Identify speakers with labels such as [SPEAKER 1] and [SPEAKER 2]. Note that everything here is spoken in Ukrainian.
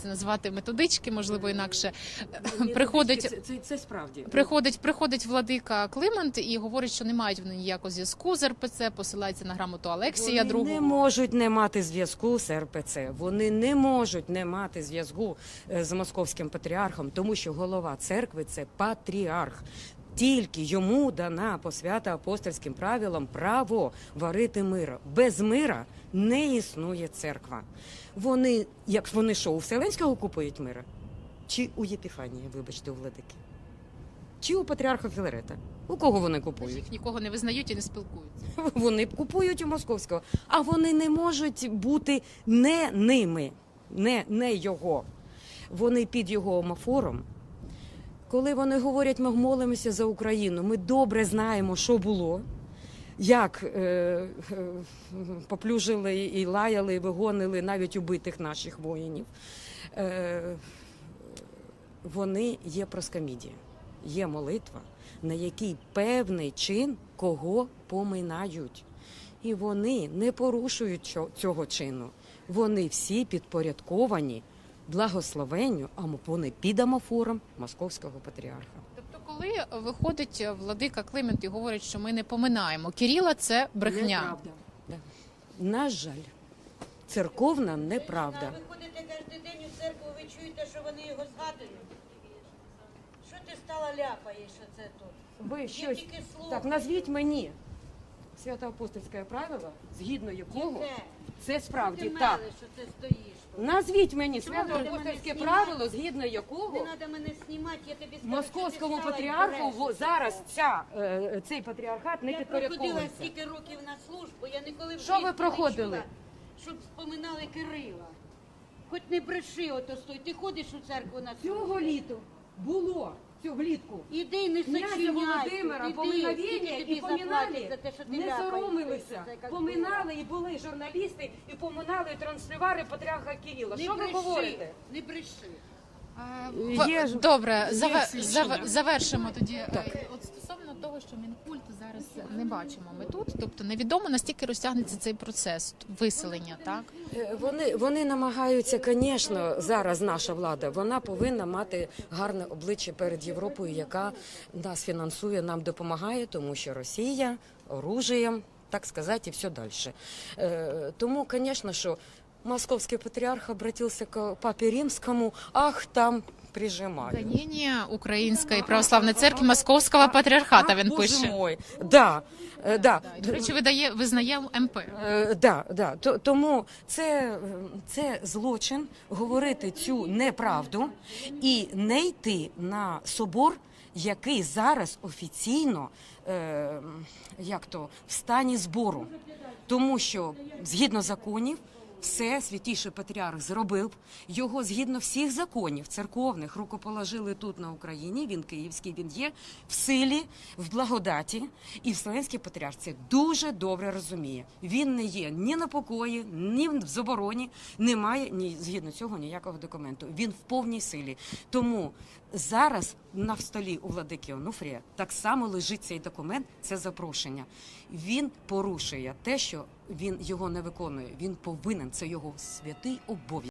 [SPEAKER 1] це назвати методички, можливо, інакше.
[SPEAKER 2] Це справді.
[SPEAKER 1] Приходить владика Климент і говорить, що не мають вони ніякого зв'язку з РПЦ, посилається на грамоту Алексія II.
[SPEAKER 2] Вони не можуть не мати зв'язку з РПЦ. Вони не можуть не мати зв'язку з московським патріархом, тому що голова церкви – це патріарх. Тільки йому дана по свято-апостольським правилам право варити мира. Без мира не існує церква. Вони що, у Вселенського купують мира? Чи у Єпіфанії, вибачте, у владики? Чи у патріарха Філарета? У кого вони купують?
[SPEAKER 1] Їх нікого не визнають і не спілкуються.
[SPEAKER 2] Вони купують у московського. А вони не можуть бути не ними, не його. Вони під його омофором. Коли вони говорять, ми молимося за Україну, ми добре знаємо, що було, як поплюжили і лаяли, і вигонили навіть убитих наших воїнів. Вони є проскамідія, є молитва, на якій певний чин кого поминають. І вони не порушують цього чину. Вони всі підпорядковані благословенню, а вони під амофором московського патріарха.
[SPEAKER 1] Тобто, коли виходить владика Климент і говорить, що ми не поминаємо Кирила, це брехня.
[SPEAKER 2] Неправда. Да. На жаль, церковна неправда.
[SPEAKER 3] Ви ходите кожен день у церкву, ви чуєте, що вони його згадують? Що ти стала ляпаєш оце тут?
[SPEAKER 2] Ви
[SPEAKER 3] Я
[SPEAKER 2] щось...
[SPEAKER 3] тільки слухаю.
[SPEAKER 2] Так, назвіть мені свято-апостольське правило, згідно якого
[SPEAKER 3] Яке?
[SPEAKER 2] це справді
[SPEAKER 3] Ти
[SPEAKER 2] так.
[SPEAKER 3] мелиш, що це стоїш.
[SPEAKER 2] Назвіть мені
[SPEAKER 3] Чому ви мене
[SPEAKER 2] свято-апостольське
[SPEAKER 3] знімаєте?
[SPEAKER 2] правило, згідно
[SPEAKER 3] Не
[SPEAKER 2] якого
[SPEAKER 3] треба мене знімати, я тобі скажу,
[SPEAKER 2] московському
[SPEAKER 3] що ти стала
[SPEAKER 2] патріарху
[SPEAKER 3] і брешеш.
[SPEAKER 2] зараз цей патріархат не
[SPEAKER 3] Я проходила
[SPEAKER 2] підпорядковується.
[SPEAKER 3] стільки років на службу, я ніколи в
[SPEAKER 2] Що
[SPEAKER 3] житті
[SPEAKER 2] ви
[SPEAKER 3] не
[SPEAKER 2] проходили?
[SPEAKER 3] чула, щоб споминали Кирила. Хоч не бреши ото стой, ти ходиш у церкву на службу.
[SPEAKER 2] Цього літа було, цього влітку.
[SPEAKER 3] Іди, не
[SPEAKER 2] Князя
[SPEAKER 3] сочиняй.
[SPEAKER 2] Володимира
[SPEAKER 3] Іди,
[SPEAKER 2] поминовення
[SPEAKER 3] скільки
[SPEAKER 2] і
[SPEAKER 3] тобі заплатять
[SPEAKER 2] поминали,
[SPEAKER 3] за те, що ти
[SPEAKER 2] не
[SPEAKER 3] ляпаєш,
[SPEAKER 2] соромилися,
[SPEAKER 3] це, як
[SPEAKER 2] поминали і були журналісти, і поминали транслювари патріарха Кирила.
[SPEAKER 3] Не
[SPEAKER 2] Що ви
[SPEAKER 3] бреши,
[SPEAKER 2] говорите?
[SPEAKER 3] Не бреши.
[SPEAKER 2] Є ж-
[SPEAKER 1] Добре,
[SPEAKER 2] є свідчення.
[SPEAKER 1] завершимо тоді. От стосовно того, що Мінкульт зараз не бачимо ми тут, тобто невідомо, настільки розтягнеться цей процес виселення, так?
[SPEAKER 2] Вони намагаються, звісно, зараз наша влада, вона повинна мати гарне обличчя перед Європою, яка нас фінансує, нам допомагає, тому що Росія оружієм, так сказати, і все далі. Тому, звісно, що московский патриарх обратился к папе римскому, ах, там прижимаю.
[SPEAKER 1] Гоніння Української православної церкви Московського патріархата, він
[SPEAKER 2] Боже
[SPEAKER 1] пише.
[SPEAKER 2] мой, да.
[SPEAKER 1] До речі, визнає МП.
[SPEAKER 2] Тому це злочин говорити цю неправду і не йти на собор, який зараз офіційно в стані збору. Тому що, згідно законів, все святійший патріарх зробив, його згідно всіх законів церковних рукоположили тут на Україні, він київський, він є в силі, в благодаті, і Вселенський патріарх це дуже добре розуміє. Він не є ні на покої, ні в забороні, немає згідно цього ніякого документу. Він в повній силі. Тому зараз на столі у владики Онуфрія так само лежить цей документ, це запрошення. Він порушує те, що він його не виконує. Він повинен, це його святий обов'язок.